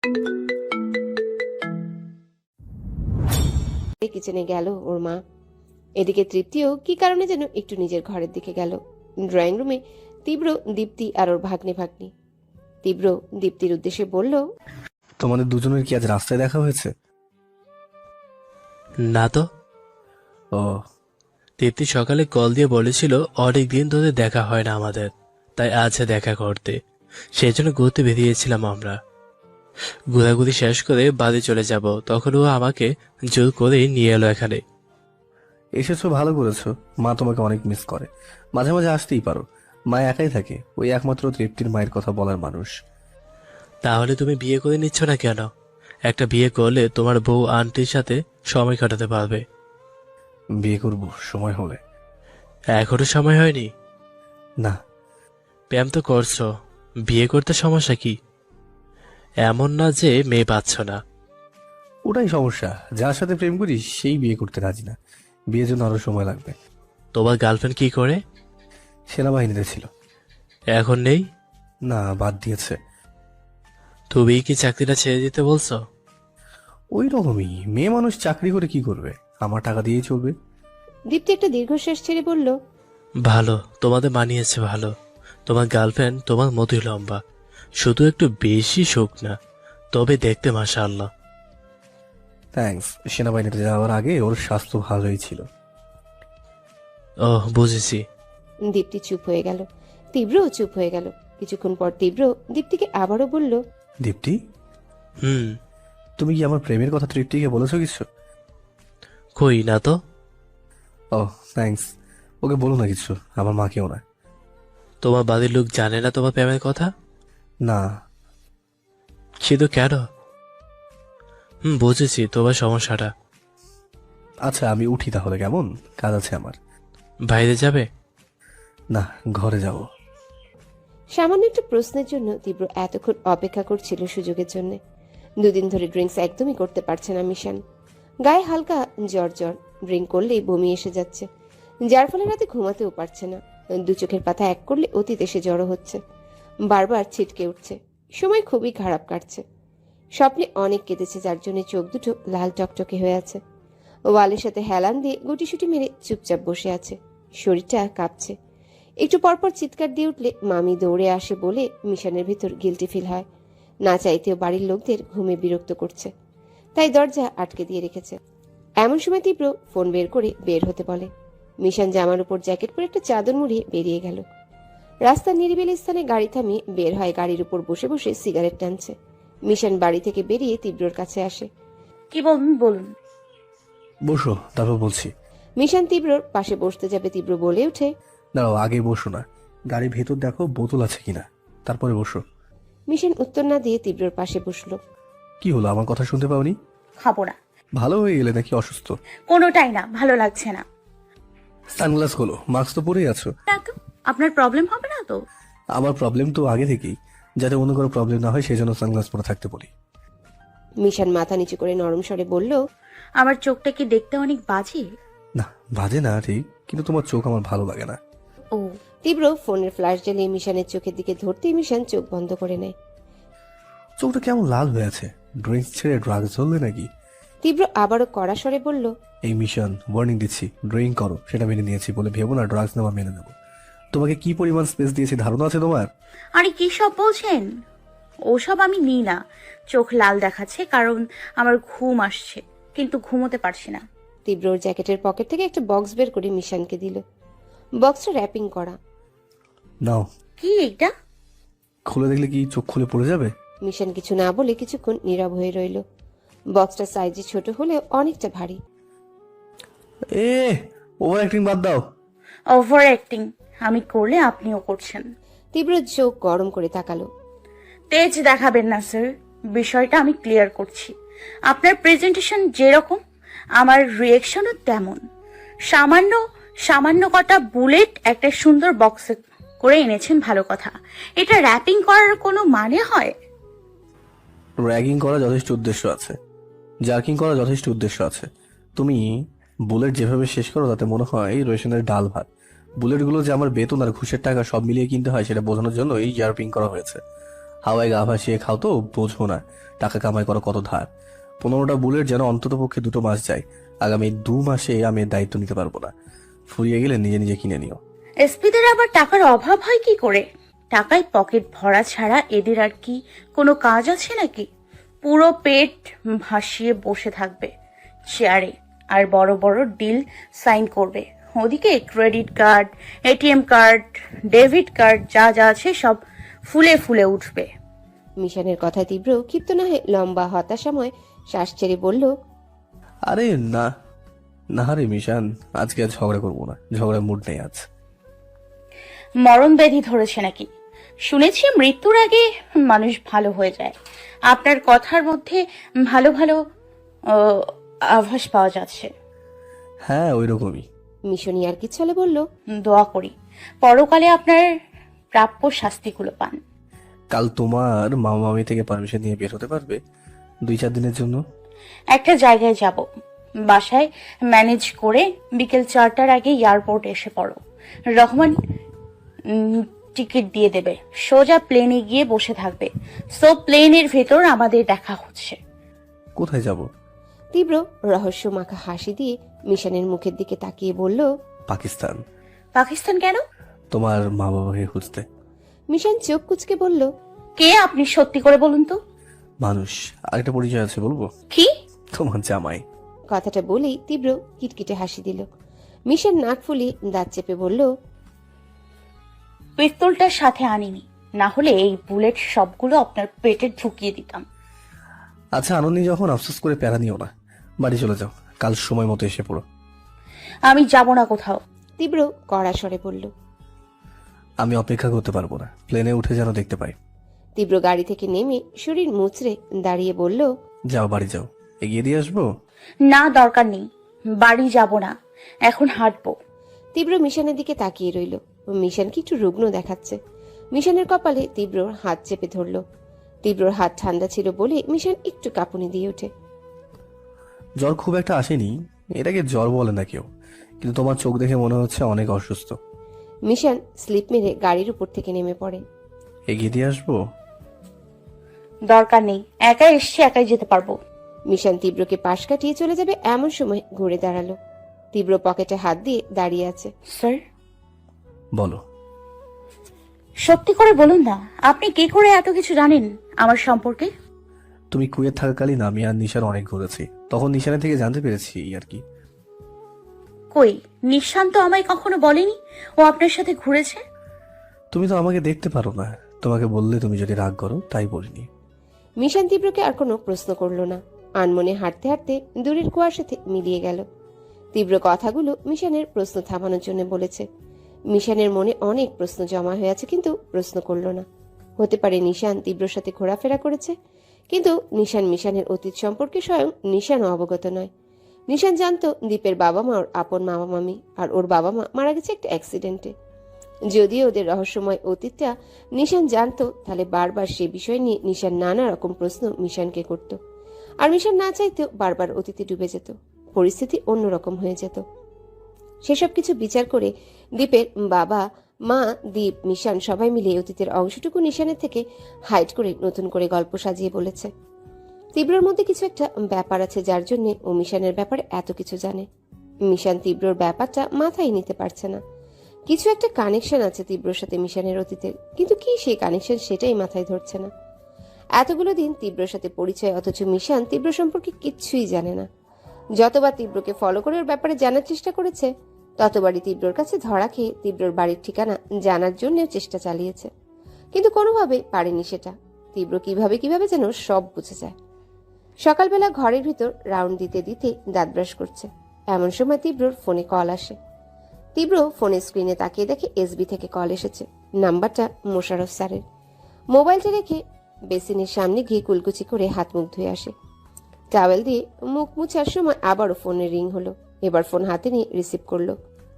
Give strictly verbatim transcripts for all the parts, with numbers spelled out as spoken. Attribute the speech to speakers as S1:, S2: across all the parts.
S1: কিচেনে গেল ওর মা। এদিকে তৃপ্তিও কি কারণে যেন একটু নিজের ঘরের দিকে গেল। ড্রয়িং রুমে তীব্র, দীপ্তি আর ওর ভাগ্নে ভাগ্নি। তীব্র দীপ্তির উদ্দেশ্যে বলল,
S2: তোমাদের দুজনের কি আজ রাস্তায় দেখা হয়েছে?
S3: না তো।
S2: ও,
S3: দীপ্তি সকালে কল দিয়ে বলেছিল অনেক দিন ধরে দেখা হয় না আমাদের, তাই আজ দেখা করতে। সেই জন্য ঘুরতে বেরিয়েছিলাম আমরা। ঘোরাঘুরি শেষ করে বাড়ি চলে যাব, তখন ও আমাকে জোর করে নিয়ে এলো এখানে।
S2: এসেছো, ভালো করেছো। মা তোমাকে অনেক মিস করে, মাঝে মাঝে আসতেই পারো। মা একাই থাকে, ওই একমাত্র তৃপ্তির মায়ের কথা বলার মানুষ।
S3: তাহলে তুমি বিয়ে করে নিচ্ছ না কেন? একটা বিয়ে করলে তোমার বউ আন্টির সাথে সময় কাটাতে পারবে।
S2: বিয়ে করব সময় হলে।
S3: এখনো সময় হয়নি?
S2: না,
S3: প্রেম তো করছো, বিয়ে করতে সমস্যা কি? এমন না যে মেয়ে পাচ্ছ না।
S2: ওটাই সমস্যা, যার সাথে প্রেম করি সেই বিয়ে করতে রাজি না। বিয়ের জন্য আরো সময় লাগবে।
S3: তোমার গার্লফ্রেন্ড কি করে?
S2: সেনাবাহিনীতে ছিল।
S3: এখন নেই?
S2: না, বাদ দিয়েছে।
S3: তুমি কি চাকরিটা ছেড়ে দিতে বলছো?
S2: ওই রকমই, মেয়ে মানুষ চাকরি করে কি করবে? আমার টাকা দিয়েই চলবে।
S1: দীপ্তি একটা দীর্ঘশ্বাস ছেড়ে বলল,
S3: ভালো, তোমাদের মানিয়েছে ভালো। তোমার গার্লফ্রেন্ড তোমার মতোই লম্বা, শুধু একটু বেশি শোক না, তবে দেখতে মাশাআল্লাহ।
S2: থ্যাঙ্কস। সেনাবাহিনীতে যাওয়ার আগে ওর স্বাস্থ্য ভালোই ছিল।
S3: ওহ, বুঝেছি।
S1: দীপ্তি চুপ হয়ে গেল। তীব্রও চুপ হয়ে গেল। কিছুক্ষণ পর তীব্র দীপ্তিকে আবারও বলল,
S2: দীপ্তি,
S3: হুম।
S2: তুমি কি আমার প্রেমের কথা তৃপ্তিকে বলেছো কিছু?
S3: কই না তো।
S2: ও, থ্যাঙ্কস। ওকে বলো না কিছু, আমার মাকেও না।
S3: তোমার বাড়ির লোক জানে না তোমার প্রেমের কথা?
S2: না।
S3: শুধু কেন? হুম, বুঝেছি তোমার সমস্যাটা।
S2: আচ্ছা, আমি উঠি তাহলে, কেমন? কাজ আছে আমার।
S3: বাইরে যাবে?
S2: না, ঘরে যাব।
S1: সামান্য একটা প্রশ্নের জন্য তীব্র এতক্ষণ অপেক্ষা করছিল সুযোগের জন্য। দুদিন ধরে ড্রিঙ্কস একদমই করতে পারছে না মিশান। গায়ে হালকা জ্বর জ্বর, ড্রিঙ্ক করলেই বমি এসে যাচ্ছে, যার ফলে রাতে ঘুমাতেও পারছে না। দু চোখের পাতা এক করলে অতীত এসে জড়ো হচ্ছে, বারবার ছিটকে উঠছে। সময় খুবই খারাপ কাটছে। স্বপ্নে অনেক কেঁদেছে, যার জন্য চোখ দুটো লাল টকটকে হয়ে আছে। ওয়ালের সাথে হেলান দিয়ে গুটিসুটি মেরে চুপচাপ বসে আছে, শরীরটা কাঁপছে। একটু পরপর চিৎকার দিয়ে উঠলে মামি দৌড়ে আসে বলে মিশনের ভিতর গিলটি ফিল হয়। না চাইতেও বাড়ির লোকদের ঘুমে বিরক্ত করছে, তাই দরজা আটকে দিয়ে রেখেছে। এমন সময় তীব্র ফোন বের করে বের হতে বলে। মিশন জামার উপর জ্যাকেট পরে একটা চাদর মুড়িয়ে বেরিয়ে গেল। রাস্তার নিরিবিলি স্থানে গাড়ি থামিয়ে বের হয়, গাড়ির উপর বসে বসে সিগারেট টানছে। মিশন বাড়ি থেকে বেরিয়ে তীব্রর কাছে আসে।
S4: কি বলুন বলুন।
S2: বসো, তারপর বলছি।
S1: মিশন তীব্রর পাশে বসতে যাবে, তীব্র বলে ওঠে,
S2: দাঁড়াও, আগে বসো না। গাড়ির ভেতর দেখো বোতল আছে কিনা, তারপরে বসো।
S1: মিশন উত্তর না দিয়ে তীব্রর পাশে বসলো।
S2: কি হলো, আমার কথা শুনতে পাওনি?
S4: খাবো না।
S2: ভালো হয়ে গেলে নাকি অসুস্থ?
S4: কোনোটাই না, ভালো লাগছে না।
S2: সানগ্লাস খোলো, মাস্ক তো পরেই আছো।
S4: না তো, আপনার প্রবলেম হবে না তো?
S2: আমার প্রবলেম তো আগে থেকেই, যাতে অন্য কোনো প্রবলেম না হয় সেই জন্য সানগ্লাস পরে থাকতে বলি।
S1: মিশন মাথা নিচু করে নরম স্বরে বলল,
S4: আমার চোখটা কি দেখতে অনেক বাজে?
S2: না, বাজে না ঠিক, কিন্তু তোমার চোখ আমার ভালো লাগে না।
S4: ও,
S1: তীব্র ফোনের ফ্ল্যাশ জ্বালিয়ে মিশনের চোখের দিকে ধরতেই মিশন চোখ বন্ধ করে নেয়।
S2: চোখটা কেমন লাল হয়ে আছে? ড্রিঙ্কস ছেড়ে ড্রাগস ধরলে নাকি?
S1: তীব্র আবারও কড়া স্বরে বলল,
S2: এই মিশন, ওয়ার্নিং দিচ্ছি, ড্রিঙ্ক করো সেটা মেনে নিয়েছি বলে ভেবো না ড্রাগস নেওয়া মেনে নেবো। তোমাকে কি পরিমাণ স্পেস দিয়েছি ধারণা আছে তোমার?
S4: আরে কি সব বলছেন? ওসব আমি নিই না। চোখ লাল দেখাচ্ছে কারণ আমার ঘুম আসছে, কিন্তু ঘুমোতে পারছি না।
S1: তীব্রর জ্যাকেটের পকেট থেকে একটা বক্স বের করে মিশনকে দিল। বক্সটা র্যাপিং করা।
S2: নাও।
S4: কি এটা?
S2: খুলে দেখলে কি চোখ খুলে পড়ে যাবে?
S1: মিশন কিছু না বলে কিছুক্ষণ নীরব হয়ে রইল। বক্সটা সাইজে ছোট হলেও অনেকটা ভারী।
S2: এ, ওভার অ্যাক্টিং বাদ দাও।
S4: ওভার অ্যাক্টিং আমি করলে আপনিও করছেন।
S1: তীব্র চোখ গরম করে তাকালো।
S4: তেজ দেখাবেন না স্যার, বিষয়টা আমি ক্লিয়ার করছি। আপনার প্রেজেন্টেশন যেরকম, আমার রিয়েকশনও তেমন। সামান্য সামান্য কটা বুলেট একটা সুন্দর বক্সে করে এনেছেন, ভালো কথা। এটা র্যাপিং করার কোনো মানে হয়?
S2: র্যাগিং করা যথেষ্ট উদ্দেশ্য আছে, জার্কিং করা যথেষ্ট উদ্দেশ্য আছে। তুমি বুলেট যেভাবে শেষ করো তাতে মনে হয় রেশনের ডাল ভাত। বুলেটগুলো যে আমার বেতন আর ঘুষের টাকা সব মিলিয়ে কিনতে হয় সেটা বোঝানোর জন্য এই জার্পিং করা হয়েছে। হাওয়ায় গা ভাসিয়ে খাও তো বোঝো না টাকা কামাই করা কত ধার। পনেরোটা বুলেট যেন অন্তত পক্ষে দুটো মাস যায়। আগামী দু মাসে আমি এর দায়িত্ব নিতে পারবো না। ফুরিয়ে গেলে নিজে নিজে কিনে নিও।
S4: এসপিদের আবার টাকার অভাব হয় কি করে? টাকায় পকেট ভরা ছাড়া এদের আর কি কোনো কাজ আছে নাকি? পুরো পেট ভাসিয়ে বসে থাকবে চেয়ারে আর বড় বড় ডিল সাইন করবে। ওদিকে credit card, ATM card, debit card যা যা আছে সব ফুলে ফুলে উঠবে।
S1: মিশানের কথায় তীব্র ক্ষিপ্ত না হয়ে লম্বা হতাশাময় শ্বাস ছেড়ে বলল,
S2: আরে না না রে মিশান, আজকে আর ঝগড়া করবো না, ঝগড়ার মুড নেই আজ।
S4: মরণ ব্যাধি ধরেছে নাকি? শুনেছি মৃত্যুর আগে মানুষ ভালো হয়ে যায়। আপনার কথার মধ্যে ভালো ভালো আহ, আভাস পাওয়া যাচ্ছে।
S2: হ্যাঁ ওই রকমই।
S1: মিশনি আর কি ছলে বলল,
S4: দোয়া করি পরকালে আপনার প্রাপ্য শাস্তিগুলো পান।
S2: কাল তোমার মামা মামি থেকে পারমিশন নিয়ে বের হতে পারবে দুই চার দিনের জন্য?
S4: একটা জায়গায় যাব, বাসায় ম্যানেজ করে বিকেল চারটার আগে এয়ারপোর্ট এসে পড়ো। রহমান টিকিট দিয়ে দেবে, সোজা প্লেনে গিয়ে বসে থাকবে। সো প্লেনের ভেতর আমাদের দেখা হচ্ছে।
S2: কোথায় যাব?
S1: তীব্র রহস্য মাখা হাসি দিয়ে মিশনের মুখের দিকে তাকিয়ে বলল,
S2: পাকিস্তান।
S4: পাকিস্তান কেন?
S2: তোমার মা বাবাকে খুঁজতে।
S1: মিশন চোখ কুচকে বলল,
S4: কে আপনি? সত্যি করে বলুন তো।
S2: মানুষ। আরেকটা পরিচয় আছে বলবো?
S4: কি?
S2: তোমার জামাই।
S1: কথাটা বলেই তীব্র কিটকিটে হাসি দিল। মিশন নাক ফুলিয়ে দাঁত চেপে বলল,
S4: পিস্তলটার সাথে আনিনি, না হলে এই বুলেট সবগুলো আপনার পেটে ঢুকিয়ে দিতাম।
S2: আচ্ছা আনন্দি, যখন আফসোস করে প্যারা নিও না, বাড়ি চলে যাও, কাল সময় মতো এসে পড়ো।
S4: আমি যাব না কোথাও।
S1: তীব্র কড়া স্বরে বলল।
S2: আমি অপেক্ষা করতে পারবো না, প্লেনে উঠে যেন দেখতে পাই।
S1: তীব্র গাড়ি থেকে নেমে শরীর মুচড়ে দাঁড়িয়ে বলল,
S2: যাও বাড়ি যাও, এগিয়ে দিয়ে আসবো।
S4: না দরকার নেই, বাড়ি যাব না, এখন হাঁটবো।
S1: তীব্র মিশনের দিকে তাকিয়ে রইল। মিশনকে একটু রুগ্ন দেখাচ্ছে। মিশনের কপালে তীব্রর হাত চেপে ধরল। তীব্রর হাত ঠান্ডা ছিল বলে মিশন একটু কাঁপুনি দিয়ে ওঠে।
S2: জ্বর খুব একটা আসেনি, এটাকে জ্বর বলে না কেউ, কিন্তু তোমার চোখ দেখে মনে হচ্ছে অনেক অসুস্থ।
S1: মিশন স্লিপ মেরে গাড়ির উপর থেকে নেমে পড়ে।
S2: এগিয়ে দিয়ে আসবো।
S4: দরকার নেই, একা এসছি, একাই যেতে পারবো।
S1: মিশন তীব্রকে পাশ কাটিয়ে চলে যাবে এমন সময় ঘুরে দাঁড়ালো। তীব্র পকেটে হাত দিয়ে দাঁড়িয়ে আছে।
S4: স্যার?
S2: বলো।
S4: সত্যি করে বলুন না, আপনি কি করে এত কিছু জানেন আমার সম্পর্কে?
S2: তুমি কুয়েত থাকাকালীন আমি আর নিশান অনেক ঘুরেছি, তখন নিশানের থেকে জানতে পেরেছি আর কি।
S4: কই, নিশান তো আমায় কখনো বলেনি ও আপনার সাথে ঘুরেছে।
S2: তুমি তো আমাকে দেখতে পারো না, তোমাকে বললে তুমি যদি রাগ করো, তাই বলিনি।
S1: মিশন তীব্রকে আর কোনো প্রশ্ন করলো না। আনমনে হাঁটতে হাঁটতে দূরের কুয়ার সাথে মিলিয়ে গেল। তীব্র কথাগুলো মিশনের প্রশ্ন থামানোর জন্য বলেছে। মিশনের মনে অনেক প্রশ্ন জমা হয়ে আছে, কিন্তু প্রশ্ন করল না। হতে পারে নিশান তীব্রর সাথে ঘোরাফেরা করেছে, কিন্তু নিশান মিশনের অতীত সম্পর্কে স্বয়ং নিশানও অবগত নয়। নিশান জানতো দীপের বাবা মা ওর আপন মামা মামি, আর ওর বাবা মা মারা গেছে একটা অ্যাক্সিডেন্টে। যদিও ওদের রহস্যময় অতীতটা নিশান জানতো, তাহলে বারবার সে বিষয় নিয়ে নিশান নানা রকম প্রশ্ন মিশানকে করত। আর মিশান না চাইতেও বারবার অতীতে ডুবে যেত, পরিস্থিতি অন্যরকম হয়ে যেত। সেসব কিছু বিচার করে দীপের বাবা মা, দীপ, মিশান সবাই মিলে অতীতের অংশটুকু নিশানের থেকে হাইড করে নতুন করে গল্প সাজিয়ে বলেছে। তীব্রর মধ্যে কিছু একটা ব্যাপার আছে যার জন্য ও মিশানের ব্যাপারে এত কিছু জানে। মিশান তীব্রর ব্যাপারটা মাথায় নিতে পারছে না। কিছু একটা কানেকশন আছে তীব্রর সাথে মিশনের অতীতের, কিন্তু কি সেই কানেকশন সেটাই মাথায় ধরছে না। এতগুলো দিন তীব্রর সাথে পরিচয়, অথচ মিশান তীব্র সম্পর্কে কিচ্ছুই জানে না। যতবার তীব্রকে ফলো করে ওর ব্যাপারে জানার চেষ্টা করেছে, ততবারই তীব্রর কাছে ধরা খেয়ে তীব্রর বাড়ির ঠিকানা জানার জন্য চেষ্টা চালিয়েছে, কিন্তু কোনোভাবে পারেনি সেটা। তীব্র কিভাবে কিভাবে যেন সব বুঝে যায়। সকালবেলা ঘরের ভিতর রাউন্ড দিতে দিতে দাঁত ব্রাশ করছে, এমন সময় তীব্রর ফোনে কল আসে। তীব্র ফোনের স্ক্রিনে তাকিয়ে দেখে এসবি থেকে কল এসেছে। নাম্বারটা মোশারফ স্যারের। মোবাইলটা রেখে বেসিনের সামনে গিয়ে কুলকুচি করে হাত মুখ ধুয়ে আসে। টাওয়েল দিয়ে মুখ মুছার সময় আবারও ফোনের রিং হলো। এবার ফোন হাতে নিয়ে রিসিভ করলো।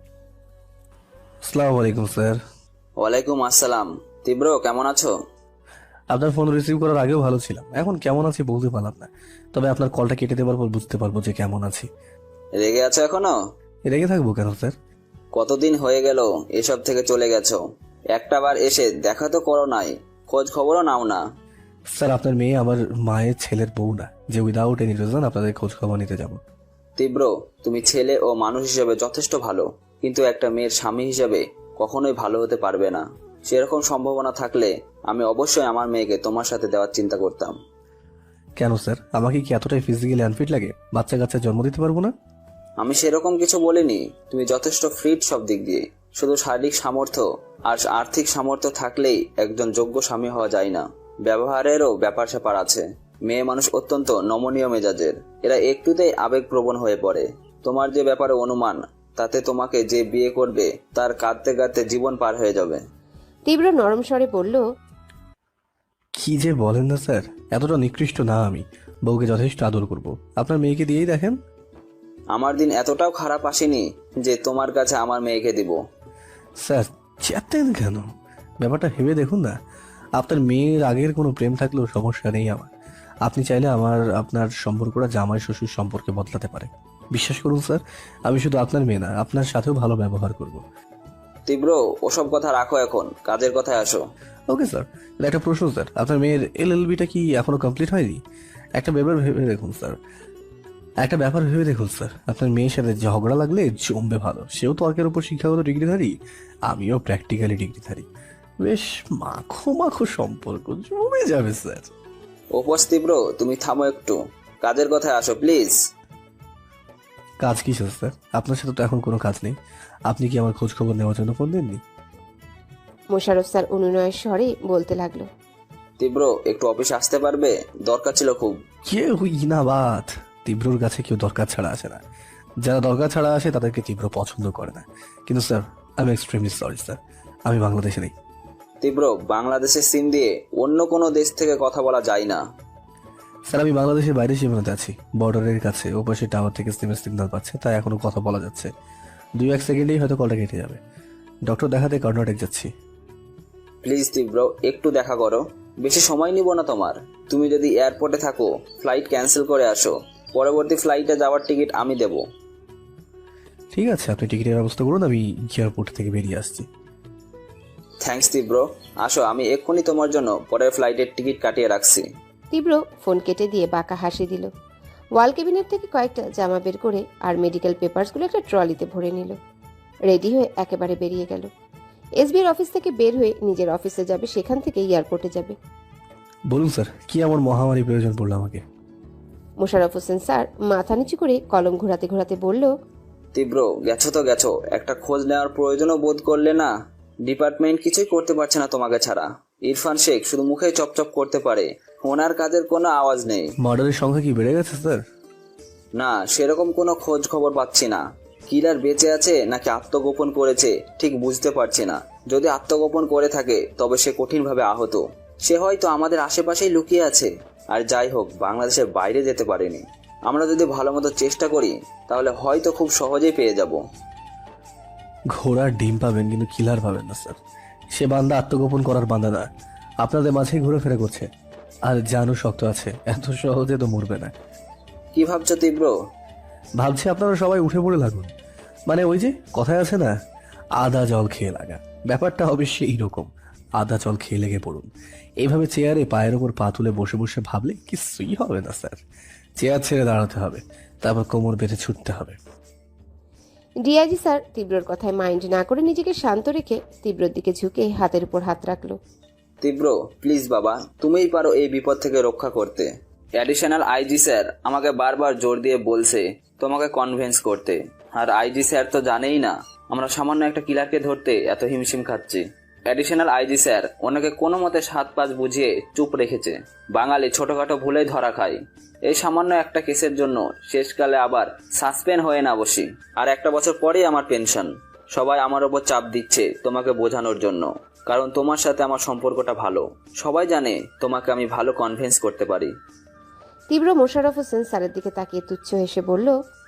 S2: আসসালামু আলাইকুম স্যার।
S5: ওয়ালাইকুম আসসালাম। তীব্র, কেমন আছো?
S2: আপনার ফোন রিসিভ করার আগেও ভালো ছিলাম, এখন কেমন আছি বলতে পারলাম না, তবে আপনার কলটা কেটে দেওয়ার পর বুঝতে পারবো যে কেমন আছি।
S5: রেগে আছো এখনো?
S2: রেগে থাকবো কেন স্যার?
S5: কতদিন হয়ে গেল এসব থেকে চলে গেছো, একটা বার এসে দেখা তো করো নাই। খোঁজ খবরও নাও না।
S2: স্যার আপনার মেয়ে আমার মায়ের ছেলের বউ না যে উইদাউট এনি রিজন আপনাদের খোঁজ খবর নিতে যাব।
S5: তীব্র, তুমি ছেলে ও মানুষ হিসেবে যথেষ্ট ভালো, কিন্তু একটা মেয়ের স্বামী হিসেবে কখনোই ভালো হতে পারবে না। সেরকম সম্ভাবনা থাকলে আমি অবশ্যই আমার মেয়েকে তোমার সাথে দেওয়ার চিন্তা করতাম।
S2: কেন স্যার, আমাকে কি এতটাই ফিজিক্যালি আনফিট লাগে বাচ্চা কাচ্চা জন্ম দিতে পারবো না?
S5: আমি সেরকম কিছু বলিনি। তুমি যথেষ্ট ফিট সব দিক দিয়ে, শুধু শারীরিক সামর্থ্য আর আর্থিক সামর্থ্য থাকলেই একজন যোগ্য স্বামী হওয়া যায় না। ব্যবহারেরও ব্যাপার স্যাপার আছে। মেয়ে মানুষ অত্যন্ত নমনীয় মেজাজের, এরা একটুতেই আবেগপ্রবণ হয়ে পড়ে। তোমার যে ব্যাপারে অনুমান, তাতে তোমাকে যে বিয়ে করবে তার কাঁদতে কাঁদতে জীবন পার হয়ে যাবে।
S1: তীব্র নরম স্বরে বলল,
S2: কি যে বলেন না স্যার, এতটা নিকৃষ্ট না আমি। বউকে যথেষ্ট আদর করব, আপনার মেয়েকে দিয়েই দেখেন।
S5: আমার দিন এতটাও খারাপ আসেনি যে তোমার কাছে আমার মেয়েকে দিব।
S2: স্যার চেতেন কেন? ব্যাপারটা ভেবে দেখুন না। আপনার মেয়ের আগের কোনো প্রেম থাকলেও সমস্যা নেই আমার। আপনি চাইলে আমার আপনার সম্পর্কটা জামাই শ্বশুর সম্পর্কে বদলাতে পারে। বিশ্বাস করুন স্যার, আমি শুধু আপনার মেয়ে না, আপনার সাথেও ভালো ব্যবহার করব।
S5: তীব্র, ওসব কথা রাখো, এখন কাজের কথায় আসো।
S2: ওকে স্যার, একটা প্রশ্ন স্যার, আপনার মেয়ের এল এল বিটা কি এখনো কমপ্লিট হয়নি? একটা ব্যাপার ভেবে দেখুন স্যার একটা ব্যাপার ভেবে দেখুন স্যার আপনার মেয়ের সাথে ঝগড়া লাগলে জমবে ভালো। সেও তর্কের উপর শিক্ষাগত ডিগ্রিধারী, আমিও প্র্যাকটিক্যালি ডিগ্রিধারী। বেশ মাখো মাখো সম্পর্ক জমে যাবে স্যার।
S5: উপোস তীব্র, তুমি থামো একটু, কাজের কথায় আসো প্লিজ।
S2: কাজ কিসের স্যার? আপনার সাথে তো এখন কোনো কাজ নেই। আপনি কি আমার খোঁজ খবর নেওয়ার জন্য ফোন দেননি?
S1: মোশাররফ স্যার অনুনয়ের স্বরে বলতে লাগলো,
S5: তীব্র, একটু অফিসে আসতে পারবে? দরকার ছিল খুব।
S2: কেউ ইনাবাদ তীব্রর কাছে কেউ দরকার ছাড়া আসে না। যারা দরকার ছাড়া আসে তাদেরকে তীব্র পছন্দ করে না। কিন্তু sir I am extremely sorry sir, আমি বাংলাদেশে নেই।
S5: তীব্র, বাংলাদেশের সিম দিয়ে অন্য কোনো দেশ থেকে কথা বলা যায় না।
S2: স্যার আমি বাংলাদেশের বাইরে সীমানাতে আছি, বর্ডারের কাছে। ওপাশে টাওয়ার থেকে সিমের সিগন্যাল পাচ্ছে, তাই এখনো কথা বলা যাচ্ছে। দুই এক সেকেন্ডেই হয়তো কলটা কেটে যাবে। ডক্টর দেখাতে কর্ণাটক যাচ্ছি।
S5: প্লিজ তীব্র, একটু দেখা করো। বেশি সময় নিব না তোমার। তুমি যদি এয়ারপোর্টে থাকো, ফ্লাইট ক্যান্সেল করে আসো। পরবর্তী ফ্লাইটে যাওয়ার টিকিট আমি দেব।
S2: ঠিক আছে, আপনি টিকিটের ব্যবস্থা করুন, আমি এয়ারপোর্ট থেকে বেরিয়ে আসছি।
S5: থ্যাঙ্কস তীব্র, আসো, আমি এক্ষুনি তোমার জন্য পরের ফ্লাইটের টিকিট কাটিয়ে রাখছি।
S1: তীব্র ফোন কেটে দিয়ে বাঁকা হাসি দিল। ওয়াল ক্যাবিনেট থেকে কয়েকটা জামা বের করে আর মেডিকেল পেপারসগুলো একটা ট্রলিতে ভরে নিল। রেডি হয়ে একেবারে বেরিয়ে গেল। এসবির অফিস থেকে বের হয়ে নিজের অফিসে যাবে, সেখান থেকে এয়ারপোর্টে যাবে।
S2: বলুন স্যার, কি এমন মহামারী প্রয়োজন পড়লো আমাকে?
S1: মোশাররফ হোসেন স্যার মাথা নিচু করে কলম ঘোরাতে ঘোরাতে বলল,
S5: তীব্র, গেছো তো গেছো, একটা খোঁজ নেওয়ার প্রয়োজনও বোধ করলে না? ডিপার্টমেন্ট কিছুই করতে পারছে না তোমাকে ছাড়া। ইরফান শেখ শুধু মুখে চপচপ করতে পারে, ওনার কাজের কোনো আওয়াজ নেই।
S2: মার্ডারের সংখ্যা কি বেড়ে গেছে স্যার?
S5: না, সেরকম কোনো খোঁজ খবর পাচ্ছি না। কিলার বেঁচে আছে নাকি আত্মগোপন করেছে ঠিক বুঝতে পারছি না। যদি আত্মগোপন করে থাকে তবে সে কঠিনভাবে আহত। সে হয়তো আমাদের আশেপাশেই লুকিয়ে আছে। আর যাই হোক, বাংলাদেশের বাইরে যেতে পারেনি। আমরা যদি ভালো মতো চেষ্টা করি তাহলে হয়তো খুব সহজেই পেয়ে যাব।
S2: ঘোড়ার ডিম পাবেন কিন্তু কিলার পাবেন না স্যার। সে বান্দা আত্মগোপন করার বান্দা না, আপনাদের মাঝেই ঘুরেফেরা করছে। আর জানও শক্ত আছে, এত সহজে তো মরবে না।
S5: কি ভাবছো তীব্র?
S2: ভাবছি আপনারা সবাই উঠে পড়ে লাগুন। মানে ওই যে কথায় আছে না, আদা জল খেয়ে লাগা। ব্যাপারটা অবশ্যই এইরকম। আদা জল খেয়ে লেগে পড়ুন। এইভাবে চেয়ারে পায়ের ওপর পা তুলে বসে বসে ভাবলে কিছুই হবে না স্যার। চেয়ার ছেড়ে দাঁড়াতে হবে, তারপর কোমর বেঁধে ছুটতে হবে।
S1: ডিআইজি স্যার তীব্রর কথায় মাইন্ড না করে নিজেকে শান্ত রেখে তীব্রর দিকে ঝুঁকে হাতের উপর হাত রাখলো।
S5: তীব্র, প্লিজ বাবা, তুমিই পারো এই বিপদ থেকে রক্ষা করতে। অ্যাডিশনাল আইজি স্যার আমাকে বারবার জোর দিয়ে বলছে তোমাকে কনভিন্স করতে। আর আইজি স্যার তো জানেই না আমরা সামান্য একটা কিলারকে ধরতে এত হিমশিম খাচ্ছি। অ্যাডিশনাল আইজি স্যার ওনাকে কোনো মতে সাত পাঁচ বুঝিয়ে চুপ রেখেছে। বাঙালি ছোটখাটো ভুলেই ধরা খায়। এই সামান্য একটা কেসের জন্য শেষকালে আবার সাসপেন্ড হয়ে না বসি। আর একটা বছর পরেই আমার পেনশন। সবাই আমার ওপর চাপ দিচ্ছে তোমাকে বোঝানোর জন্য, কারণ তোমার সাথে আমার সম্পর্কটা ভালো। সবাই জানে তোমাকে আমি ভালো কনভিন্স করতে পারি।
S1: তীব্র মোশাররফ হোসেন স্যারের দিকে তাকিয়ে তুচ্ছ হেসে বলল,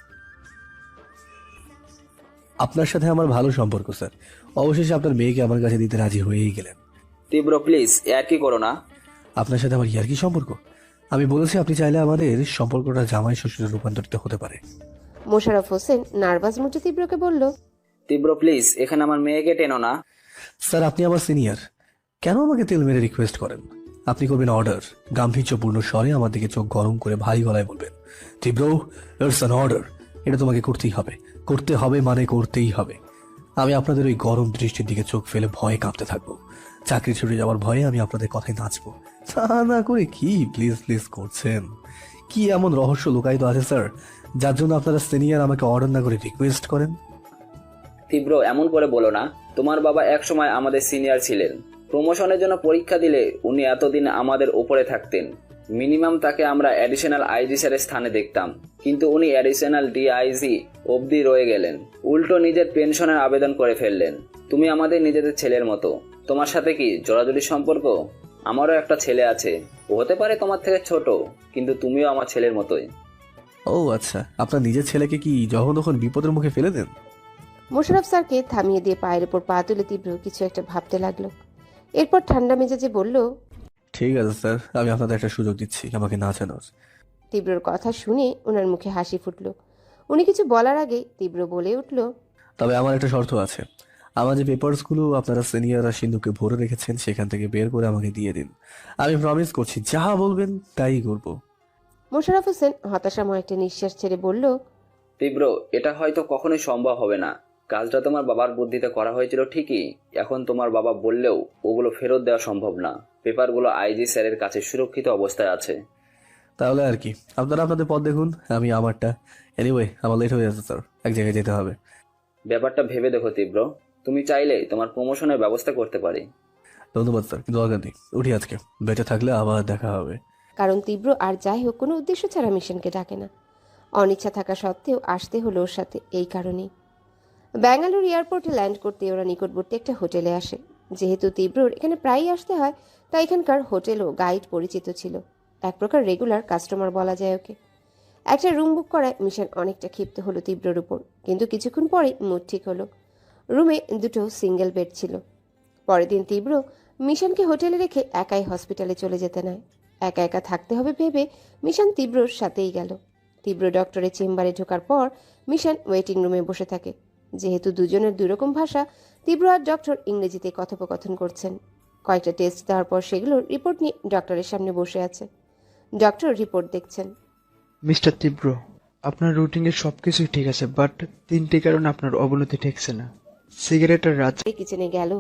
S2: আপনার সাথে আমার ভালো সম্পর্ক স্যার। অবশেষে আপনার মেয়েকে আমার কাছে দিতে রাজি হয়েই গেলেন।
S5: তীব্র, প্লিজ আর কি করো না।
S2: আপনার সাথে আমার ইয়ার কি সম্পর্ক? আমি বলেছি আপনি চাইলে আমাদের সম্পর্কটা জামাই শ্বশুরে রূপান্তরিত হতে পারে।
S1: মোশাররফ হোসেন নার্ভাস মুখে তীব্রকে বলল,
S5: তীব্র, প্লিজ এখানে আমার মেয়েকে টেনো না।
S2: স্যার আপনি আমার সিনিয়র, কেন আমাকে তেল মেরে রিকোয়েস্ট করেন? আপনি করবেন অর্ডার, গাম্ভীর্যপূর্ণ স্বরে আমার দিকে চোখ গরম করে ভারী গলায় বলবেন, তীব্র, ইটস অ্যান অর্ডার। এটা তোমাকে করতেই হবে, করতে হবে মানে করতেই হবে। আমি আপনাদের ওই গরম দৃষ্টির দিকে চোখ ফেলে ভয়ে কাঁপতে থাকবো। চাকরি ছুটে যাওয়ার ভয়ে আমি আপনাদের কথায় নাচবো। তা না করে কি প্লিজ প্লিজ করছেন? কি এমন রহস্য লুকায়িত আছে স্যার, যার জন্য আপনারা সিনিয়র আমাকে অর্ডার না করে রিকোয়েস্ট করেন?
S5: তীব্র, এমন করে বলো না। তোমার বাবা একসময় আমাদের সিনিয়র ছিলেন। প্রমোশনের জন্য পরীক্ষা দিলে উনি এতদিন আমাদের উপরে থাকতেন। মিনিমাম তাকে আমরা অ্যাডিশনাল আইজি স্যারের স্থানে দেখতাম, কিন্তু উনি অ্যাডিশনাল ডিআইজি অবধি রয়ে গেলেন। উল্টো নিজের পেনশনের আবেদন করে ফেললেন। তুমি আমাদের নিজেদের ছেলের মতো। তোমার সাথে কি জোড়াজুড়ি সম্পর্ক? আমারও একটা ছেলে আছে, ও হতে পারে তোমার থেকে ছোট, কিন্তু তুমিও আমার ছেলের মতোই।
S2: ও আচ্ছা, আপনার নিজের ছেলেকে কি যখন তখন বিপদের মুখে ফেলে দেন?
S1: মোশাররফ স্যারকে থামিয়ে দিয়ে পায়ের ওপর পা তুলে তীব্র কিছু একটা ভাবতে লাগলো। এরপর ঠান্ডা মেজাজে বলল,
S2: ঠিক আছে স্যার, আমি আপনাদের একটা সুযোগ দিচ্ছি আমাকে নাচানোর।
S1: তীব্রর কথা শুনে ওনার মুখে হাসি ফুটল। উনি কিছু বলার আগে তীব্র বলে উঠল,
S2: তবে আমার একটা শর্ত আছে। আমার যে পেপারসগুলো আপনারা সিনিয়ররা সিন্ধুকে ভরে রেখেছেন সেখান থেকে বের করে আমাকে দিয়ে দিন। আমি প্রমিস করছি যা বলবেন তাই করব।
S1: মোশাররফ হোসেন হতাশাময় একটা নিঃশ্বাস ছেড়ে বলল,
S5: তীব্র, এটা হয়তো কখনোই সম্ভব হবে না। কাজটা তোমার বাবার বুদ্ধিতে করা হয়েছিল ঠিকই, এখন তোমার বাবা বললেও ওগুলো ফেরত দেওয়া সম্ভব না। পেপারগুলো আইজি স্যারের কাছে সুরক্ষিত অবস্থায় আছে।
S2: তাহলে আর কি, আপনারা আপনাদের পথ দেখুন, আমি আমারটা। এনিওয়ে আমার লেট হয়ে যাচ্ছে স্যার, এক জায়গায় যেতে হবে।
S5: ব্যাপারটা ভেবে দেখো তীব্র, তুমি চাইলে তোমার প্রমোশনের ব্যবস্থা করতে পারি।
S2: ধন্যবাদ স্যার, কিন্তু দরকার নেই, উঠি আজকে। বেঁচে থাকলে আবার দেখা হবে।
S1: কারণ তীব্র আর যাই হোক কোনো উদ্দেশ্য ছাড়া মিশনকে ডাকে না। অনিচ্ছা থাকা সত্ত্বেও আসতে হলো ওর সাথে এই কারণেই। ব্যাঙ্গালোর এয়ারপোর্টে ল্যান্ড করতে ওরা নিকটবর্তী একটা হোটেলে আসে। যেহেতু তীব্রর এখানে প্রায়ই আসতে হয়, তাই এখানকার হোটেল ও গাইড পরিচিত ছিল। এক প্রকার রেগুলার কাস্টমার বলা যায় ওকে। একটা রুম বুক করায় মিশন অনেকটা ক্ষিপ্ত হলো তীব্রর উপর, কিন্তু কিছুক্ষণ পরেই মুড ঠিক হলো। রুমে দুটো সিঙ্গেল বেড ছিল। পরের দিন তীব্র মিশনকে হোটেলে রেখে একাই হসপিটালে চলে যেতে নেয়। একা একা থাকতে হবে ভেবে মিশন তীব্রর সাথেই গেল। তীব্র ডক্টরের চেম্বারে ঢোকার পর মিশন ওয়েটিং রুমে বসে থাকে। যেহেতু দুজনের দুরকম ভাষা, তীব্র আর ডক্টর ইংরেজিতে কথোপকথন করছেন। কয়েকটা টেস্ট দেওয়ার পর সেগুলোর রিপোর্ট নিয়ে ডক্টরের সামনে বসে আছে। ডক্টর রিপোর্ট দেখছেন।
S6: মিস্টার তীব্র, আপনার রুটিনের সব কিছুই ঠিক আছে, বাট তিনটি কারণে আপনার অবনতি ঠেকছে না। সিগারেট আর রাত
S1: কিচেনে গেল